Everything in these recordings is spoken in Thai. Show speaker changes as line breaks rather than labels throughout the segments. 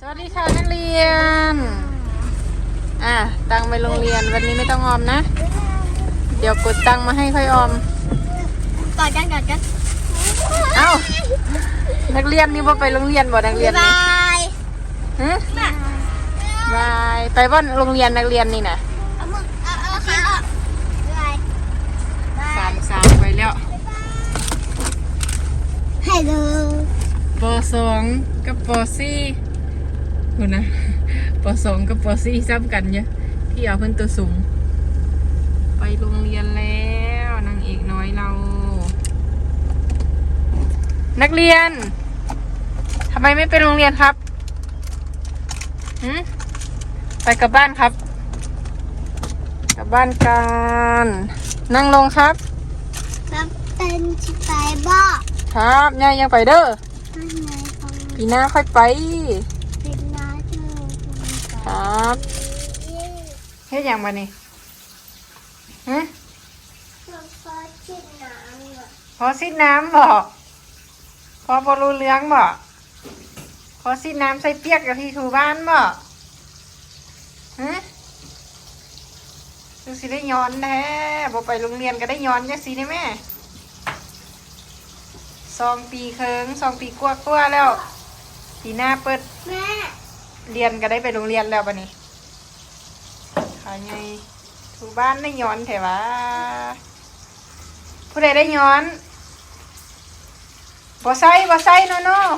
สวัสดีค่ะนักเรียนตังไปโรงเรียนวันนี้ไม่ต้องออมนะเดี๋ยวกดตังมาให้ค่อยออม
กอดกัน
เอ้านักเรียนนี่ว่าไปโรงเรียนบ่นักเรียนนี่ฮะบายไปว่าโรงเรียนนักเรียนนี่นะ
เอาขาออก
สามไปแล้ว
ฮัลโหล
ป.2 กับป.4คุณนะป.2 กับป.4ซ้ำกันเนี่ยพี่เอาเพิ่นตัวสูงไปโรงเรียนแล้วนางเอกน้อยเรานักเรียนทำไมไม่ไปโรงเรียนครับไปกลับบ้านครับกลับบ้านกันนั่งลงครับ
ครับเป็นชิไปบ่
ครับยายยังไปเด้อปีหน้าค่อยไป
เป็นน้าเธอ
ครับเฮ็ดอย่างมานี่พอซิดน้ำบ่พอบอลูเลี้ยงบ่พอซิดน้ำใส่เปียกกับที่ถูบ้านบ่ดูสิได้ย้อนแท้บ่ไปโรงเรียนก็ได้ย้อนจังสิได้แม่2 ปีเคิง2 ปีกว่าแล้วปีหน้าเปิด
แม่
เรียนก็ได้ไปโรงเรียนแล้วบัดนี้ขาไงถูบ้านได้ย้อนแท้วะผู้ใดได้ย้อนบ่ใส่โน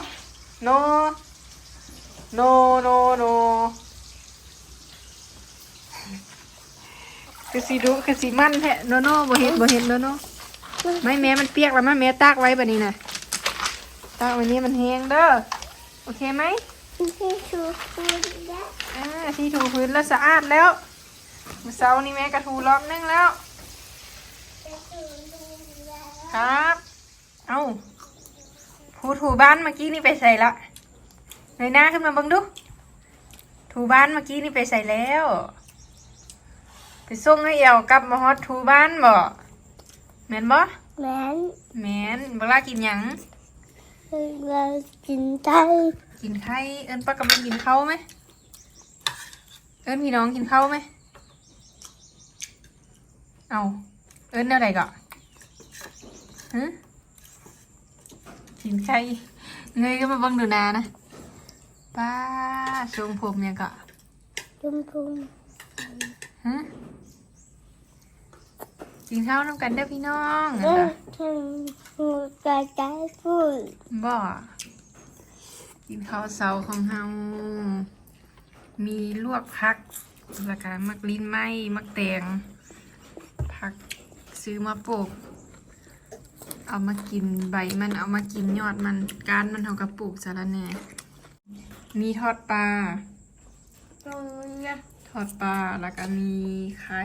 คือสีดุคือสีมันแท้โนบ่เห็นโนไม่แม่มันเปียกแล้วแม่ตากไว้แบบนี้นะตากไว้นี้มันแห้งเด้อโอเคไหม
ที่ถูพื้นแล้ว
ที่ถูพื้นแล้วสะอาดแล้วเมื่อเช้านี้แม่กระถูรอบนึงแล้วครับเอาผู้ถูบ้านเมื่อกี้นี่ไปใส่ละในหน้าขึ้นมาบังดูถูบ้านเมื่อกี้นี่ไปใส่แล้วไปส่งให้เอวกลับมาฮอดถูบ้านบ่แม่นบ่แม่นบ่ล่ากินหยัง
เรากินไข่
เอิ้นป้ากำลังกินข้าวไหมเอิ้นพี่น้องกินข้าวไหมเอาเอิ้นแนวใดก่อนกินไข่เงยก็มาบังดูนานะป้าทรงผมเนี่ยก็
ชมพู
กินข้าวน้ำกันเด้อพี่น้อง
หูกระจายพูด
บ่กินข้าวเช้าของเฮามีลวกผักแล้วก็มักลิ้นไหมมักแตงผักซื้อมาปลูกเอามากินใบมันเอามากินยอดมันก้านมันเฮากระปลูกสาระแหน่มีทอดปลาแล้วก็มีไข่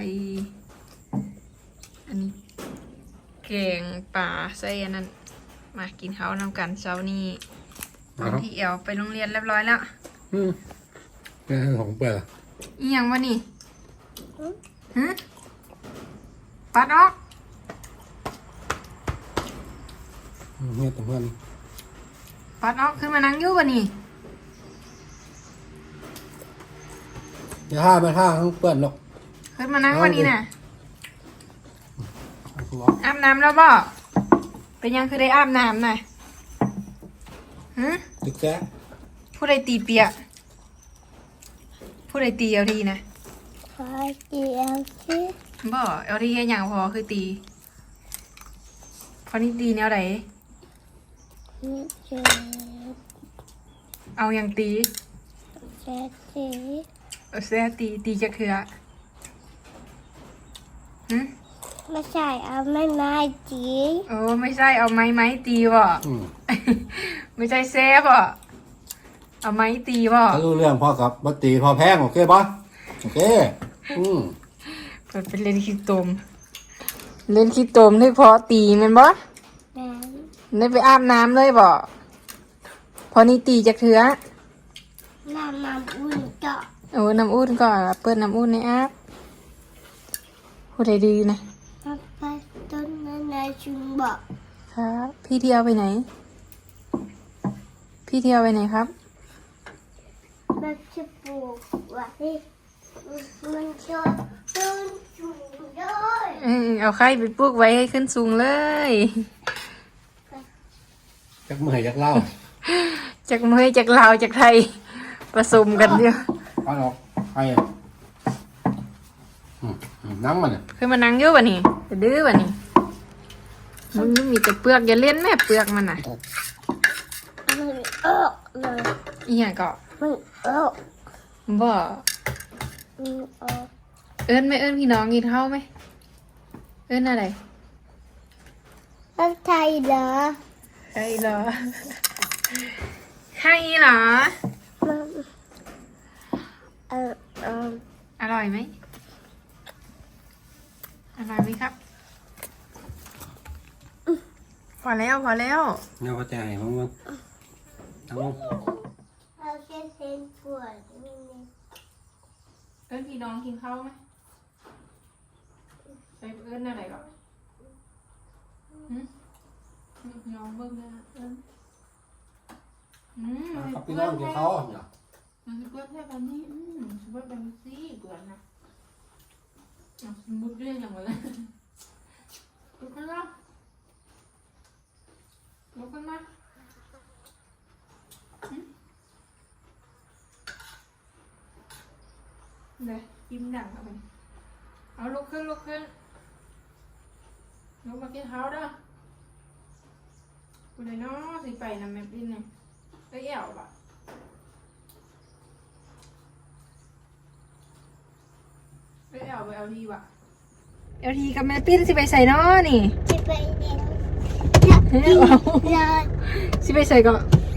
อันนี้แกงปลาใส่อันนั้นมากินข้าวนำกันเช้านี้ตอนที่เอวไปโรงเรียนเรียบร้อยแล้ว
นี่ของเปิด
อีหยังวะนี่ปัดออก
เนี่ยแต่เพื่อน
ปัดออกขึ้นมานั่งอยู่วะนี่
อย่าห้าไม่ห้าทั้งเปิดหรอก
ขึ้นมานั่งวะนี่น่ะอาบน้ำแล้วบ่เป็นยังคือได้อาบน้ำน่ะ
ตึกแก
ผู้ใดตีเปียกผู้ใดตีเอาทีนะ
พอตีเอาที
บ่เอาทีแค่อย่างพอคือตีพอนี่ตีแนวไหนเอาอย่างตีแซ่ตีจะคือ
ไม่ใช่เอาไม้ตี
ไม่ใช่เอาไม้ตีบ่ไม่ใช่แซ่บ่เอาไม้ตีบ่
ถ้ารู้เรื่องพ่อกับบัตตีพอแพงโอเคป่ะโอเค
เปิดเป็นเล่นขี้ตมได้พอตีมันบ่ได้ไปอาบน้ำเลยบ่พอนี่ตีจะคือ
น้ำอุ่นก็
น้ำอุ่นก่อนเปิดน้ำอุ่นในอาบพูดให้ดีนะ
ไปต้นนายชุนบอก
ครับพี่เที่ยวไปไหนครับ
มันจะปลูกไว้มันจะต้นสูงด้วย
เอาไข่ไปปลูกไว้ให้ขึ้นสูงเลย
จักเมื่อยจักเล่า
จากเมยจากลาวจากไทยผสมกันเดียว
เอาออกไอ้นั่งมันเนี่ย
เคยมานั่งเยอะป่ะนี่จะดื้อป่ะนี่มันมีแต่เปลือกอย่าเล่นแม่เปลือกมันน่ะ
มันออกเลย
อีหยังก็
มันออก
บ่
มันออก
เอิ้นไหม่เอิ้นพี่น้องกินข้าวไหมเอิ้นอะไร
แล้วไทยเหรอ
ใช่เหรอใช่เหรอ
มันเออ
อร่อยไหมอร่อยไหมครับพอแล้วพอแล้ว
เนี่ยพอใจมั้งทั้งลง
เราแค่เส้นปวดนี่
เอิ้นพี่น้องกินข้าวไหมไปเอิ้นอะไรก่อนพี่น้องเบิ่งนะเอิ้น
กับพี่น้องกินเขาเนี่ย
มันจะเปิดแค่แบบนี้สมมติแบบนี้สิเปิดนะสมมติเรื่องอย่างไรลุกขึ้นมาลุกขึ้นมาเลยยิ้มดังเอาไปเอาลุกขึ้นลุกขึ้นลุกมากินเท้าเด้อกูเลยเนาะสิไปนำแม่ปิ้นเนี่ยไปแอวป่ะไปแอวไปเอาทีว่ะเอาทีกับแม่ปิ้นสิไปใส่เนาะนี่
จะไปเรียน
สิไปใส่ก็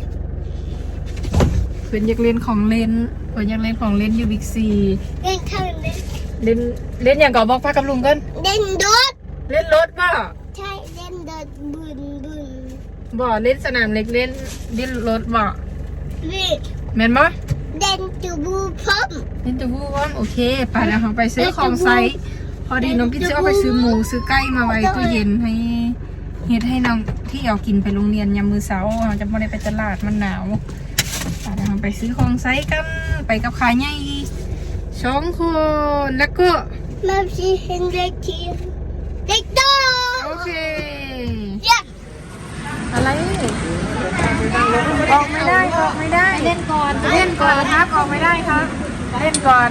เพื่อนอยากเล่นของเล่นเพื่อนอยากเล่นของเล่นอยู่บิ๊กซี
เล่นข้างเล่น
เล่นอย่างก่อบอกพากับลุงกัน
เล่นรถ
เล่นรถป่ะ
ใช่เล่นรถบุญ
บ่เล่นสนามเล็กเล่นรถบ่
วิ่ง
แม่นบ่
เล่นจูบูพร้อม
เล่นตัวผู้ว่าโอเคไปแล้วเราไปซื้อของไซส์พอดีน้องพี่จะเอาไปซื้อหมูซื้อไก่มาไว้ตู้เย็นให้เฮ็ดให้น้องที่เอากินไปโรงเรียนยามมื้อเช้าเราจะไม่ได้ไปตลาดมันหนาวไปแล้วเราไปซื้อของไซส์กันไปกับขายใหญ่2 คนแล้วก็
มาสิเห็นเด็กทีเด็กโต
โอเค
เยี่ยม
อะไรออกไม่ได้ออกไม่ได้เล่นก่อนเล่นก่อนครับออกไม่ได้ครับเล่นก่อน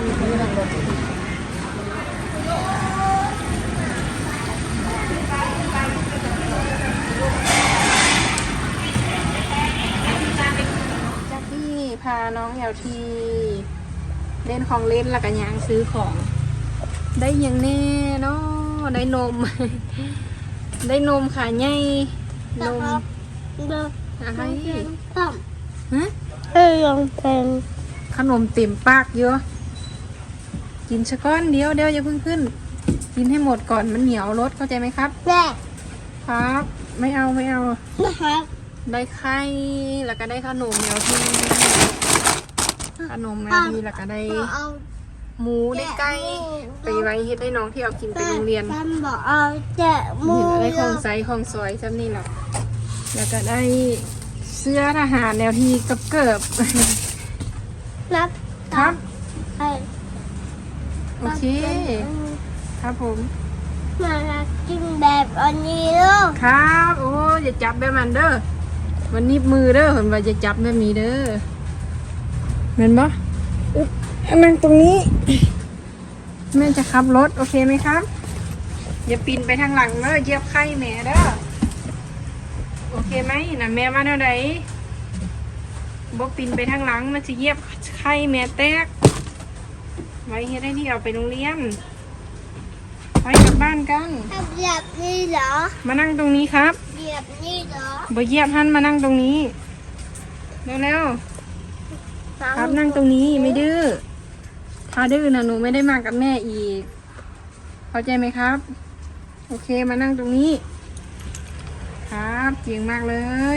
จากที่พาน้องแอลทีเล่นของเล่นแล้วก็ยางซื้อของ ได้อย่างแน่เนาะได้นม ได้นมขาใหญ่นม
เดิน
อะไร
พร้อม
ฮะ
ลองเป็น
ขนมเต็มปากเยอะกินชะก้อนเดียวอย่าเพิ่งขึ้น กินให้หมดก่อนมันเหนียวรสเข้าใจไหมครับ
แม่
ครับ ไม่เอา
นะครับ
ได้ไข่แล้วก็ได้ขนมแมวทีขนมแมวทีแล้วก็ได้
เอา
หมูได้ไก่ไปไว้เฮ็ดให้น้องที่เอากินไปโรงเรียน
ฉันบอกเอาแต่หมู
เห็นได้ของไซส์ของซอยจำนี่หรอกแล้วก็ได้เสื้อทหารแนวทีกับเกิบ
นับ
ครับ
ใช่
โอเค ครับผม
มากินแบบอันนี้ลูก
ครับโอ้อย่าจับแบบมันเด้อมันนิบมือเด้อเห็นว่าจะจับแบบนี้เด้อเห็นปะอึ๊บนั่งตรงนี้ แม่จะขับรถโอเคไหมครับ อย่าปีนไปทางหลังเด้อเหยียบไข่แม่เด้อโอเคไหมน่ะแม่มาเท่าไหร่บอกปีนไปทางหลังมันจะเหยียบไข่แม่แตกไว้เฮ็ดให้ที่เอาไปโรงเรียนไปกลับบ้านกัน
ทำแบบนี้เหรอ
มานั่งตรงนี้ครับ
แบบนี้เหรอ
บ่เหยียบหันมานั่งตรงนี้เร็วๆครับนั่งตรงนี้ไม่ดื้อถ้าดื้อนะหนูไม่ได้มากับแม่อีกเข้าใจไหมครับโอเคมานั่งตรงนี้ครับเก่งมากเลย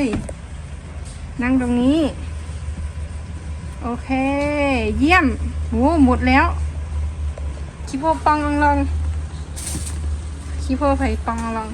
นั่งตรงนี้โอเคเยี่ยมโหหมดแล้วคิโพปองลองคิโพไผ่ปองลอง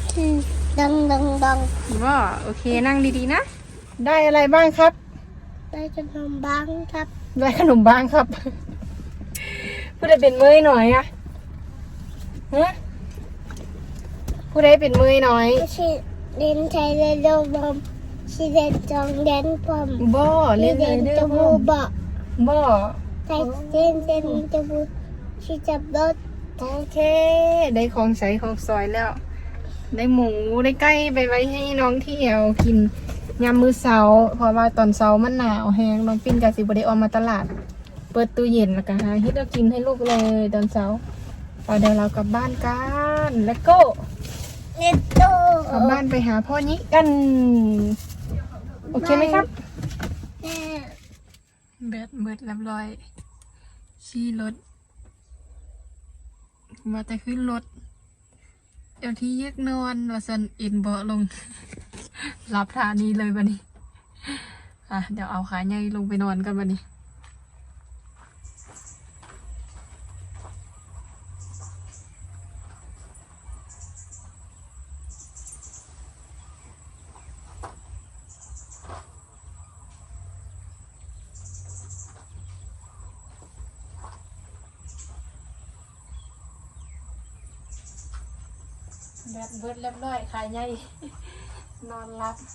ดัง
ว่าโอเคนั่งดีๆนะได้อะไรบ้างครับ
ได้ขนมบ้างครับ
ได้ขนมบ้างครับผู้ใดเป็นเมยหน่อยอะฮะผู้ใดเป็นเมยหน่อย
ชิเล่นไทยเล่นโลบอมชิเล่นจองเล่นปอม
บ่เล่น
เล่น
เด้
จ
อ
มู
บ่
กบ่
บ่
ไทยเล่นจมูกชิจับรถ
โอเค ได้ของใช้ของซอยแล้ว ได้หมูได้ไก่ไปไว้ให้น้องเที่ยวกินยามมื้อเช้าเพราะว่าตอนเช้ามันหนาวแฮงน้องปิ้นก็สิบ่ได้ออกมาตลาด เปิดตู้เย็นแล้วก็หาเฮ็ดเอากินให้ลูกเลยตอนเช้าเอาเดี๋ยวเรากลับบ้านกันแล้วก็
เล่นโต
กลับบ้านไปหาพ่อนี้กัน โอเคไหมครับ
แม่
แบตเบิดเรียบร้อยขี่รถมาแต่ขึ้นรถเดี๋ยวที่ยึกนอนว่าสันอินเบาะลง หลับท่านี้เลยบันนี้เดี๋ยวเอาขาใหญ่ลงไปนอนกันบันนี้แบตเบิดเรียบร้อยขาใหญ่ นอนหลับ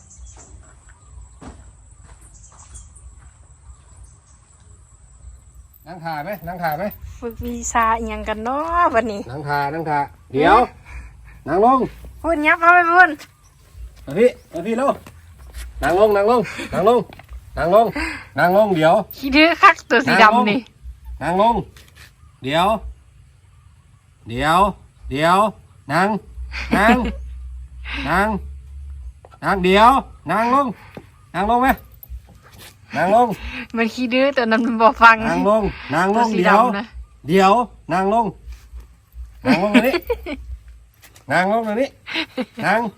นั่งถ่ายไหมนั่งถ่ายไหม
ฝึกวีซ่าอหย่างกันเนาะวันนี้
นั่งถ่ายนั่งถ่ายเดี๋ยวนั่งลง
พูดยับเอาไปพูด
มาพี่ลูกนั่งลงนั่งลงนั่งลงนั่งลงนั่งลงเดี๋ยว
ขี้ดื้อคักตัวสีดำนี่
นั่งลงเดี๋ยวเดี๋ยวเดี๋ยวนั่งนั่งนั่งนั่งเดี๋ยวนั่งลงนั่งลงไหมนั่งลง
มันขี้ดื้อแต่นั้นมันบอกฟัง
นั่งลงนั่งล
ตัว
ง
สี
เดี๋ยว
ดำนะ
เดี๋ยวนั่งลงนั่งลงตรงนี้นั่งลงตรงนี้นั่ง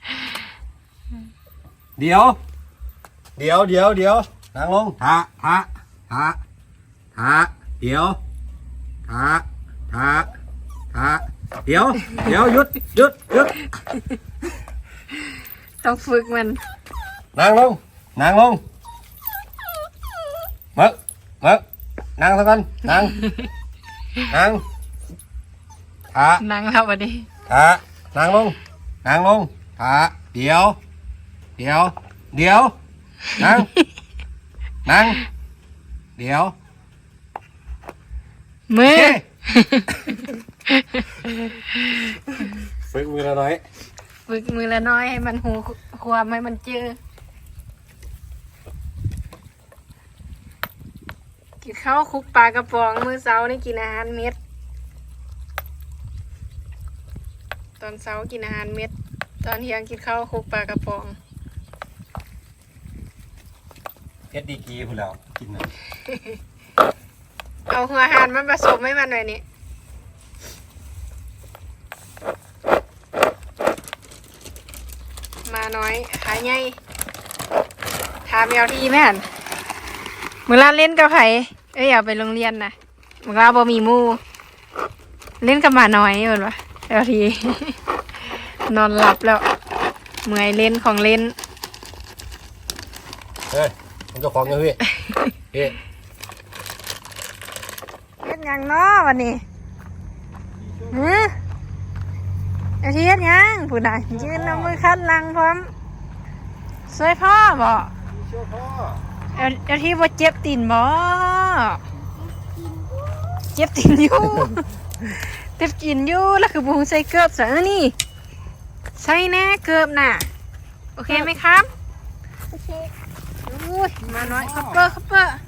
เดี๋ยวเดี๋ยวเดี๋ยวเดี๋ยวนั่งลงทะเดี๋ยวทะเดี๋ยวหยุด
ต้องฝึกมัน
นั่งลงมึกนั่งซะก่อนนั่งทะ
นั่งแล้ววันนี้
นั่งลงทะเดี๋ยวนั่งเดี๋ยว
มือ
ฝึกมือละน้อย
ฝึกมือละน้อยให้มันหูความให้มันเจอกินข้าวคลุกปลากระป๋องมื้อเช้านี่กินอาหารเม็ด ตอนเช้ากินอาหารเม็ด ตอนเที่ยงกินข้าวคลุกปลากระป๋อง
เพชรดีกีพูดแล้วกินนะ
เอาหัวอาหารมันผสมให้มันหน่อยนี่มาน้อยขาใหญ่ถามแมวทีแม่นเมื่อลาเล่นกับไผเอาไปโรงเรียนนะเมื่อลาบ่มีหมู่เล่นกับหมาน้อยเหมือนวะแมวที นอนหลับแล้วเมื่อยเล่นของเล่น
เฮ้ยมันเจ้าของยังพี่
เฮ็ดหยังเนาะวันนี้ไอ้ที่เฮ็ดหยังผู้ใดยืนเอามือคัดหลังพร้อมช่วยพ่อบ่ไอ้ที่บ่เจ็บตีนบ่เจ็บตีนอยู่ เจ็บตีนอยู่แล้วคือบ่ฮู้ใส่เกือบซะนี่ใส่แน่เกือบน่ะโอเคไหมครับ
โอเค
อุ้ยมาน้อยคัพเปอร์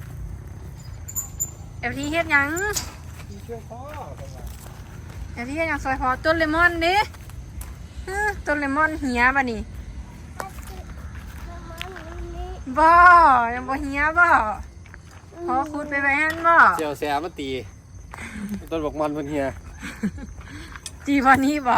ไอ้ที่เฮ็ดหยัง ไอ้ที่ยังซอยพอต้นเลมอนดิต้นเลมอนเหียบ่นี่บ่ยังบ่เหียบ่พอขุดไปหั่นบ่
เจียวแซ่มาตีต้นบอกมันเพิ่นเฮีย
จีบ่นี้บ่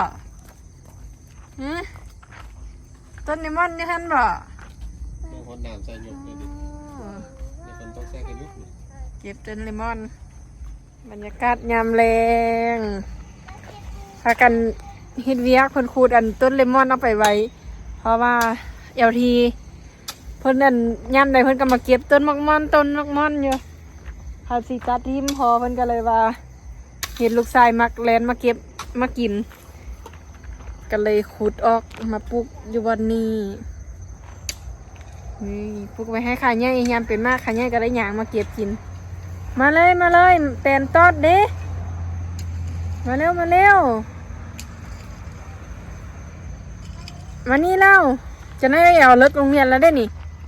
ต้นเลมอนนี่หั่นบ่
บางคนน้ำใส่หยกเลยดิบางคนต้องแซ่กันยุก
เก็บต้นเลมอนบรรยากาศยามแรงพากันเฮ็ดเวียกคนขูดอันต้นเลมอนเอาไปไว้เพราะว่าทีพิ่นนั่นยามใดเพิ่นก็มาเก็บต้นมักม่อนต้นมักม่อนอยู่พาสิตัดทิมพอเพิ่นก็เลยว่าเห็นลูกชายมักแลนมาเก็บมากินก็เลยขุดออกมาปลูกอยู่วันนี้นี่ปลูกไว้ให้ขาใหญ่ยามเป็นมากขาใหญ่ก็ได้หยางมาเก็บกินมาเลยแตนตอดเด้มาเร็วมานี่เล่าจะได้เอาเลิกโรงเรียนแล้วได้นี่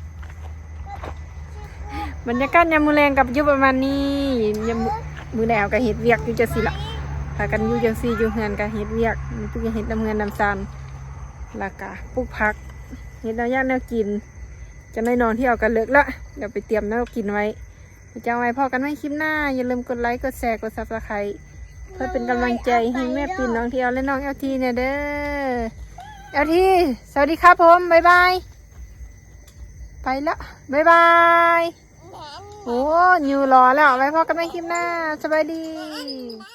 บรรยากาศยามมื้อแรงกับอยู่ประมาณนี้ยามมื้อแลวก็เฮ็ดเวียกอยู่จังซี่ล่ะพากันอยู่จังซี่อยู่เฮือนก็เฮ็ดเวียกมีผู้เฮ็ดน้ำเงินน้ำซานแล้วก็ปลูกผักเฮ็ดแนวย่างแนวกินจะได้นอนที่เอากันเลิกละเดี๋ยวไปเตรียมแนวกินไว้จะเอาไว้พอกันไว้คลิปหน้าอย่าลืมกดไลค์กดแชร์กด Subscribe เพื่อเป็นกำลังใจให้แม่ปิ่นน้องเที่ยวและน้องเอลทีเนี่ยเด้อเอลทีสวัสดีครับผมบ๊ายบายไปละบ๊ายบายโอ้ยูรอแล้วไว้พอกันไว้คลิปหน้าสบายดี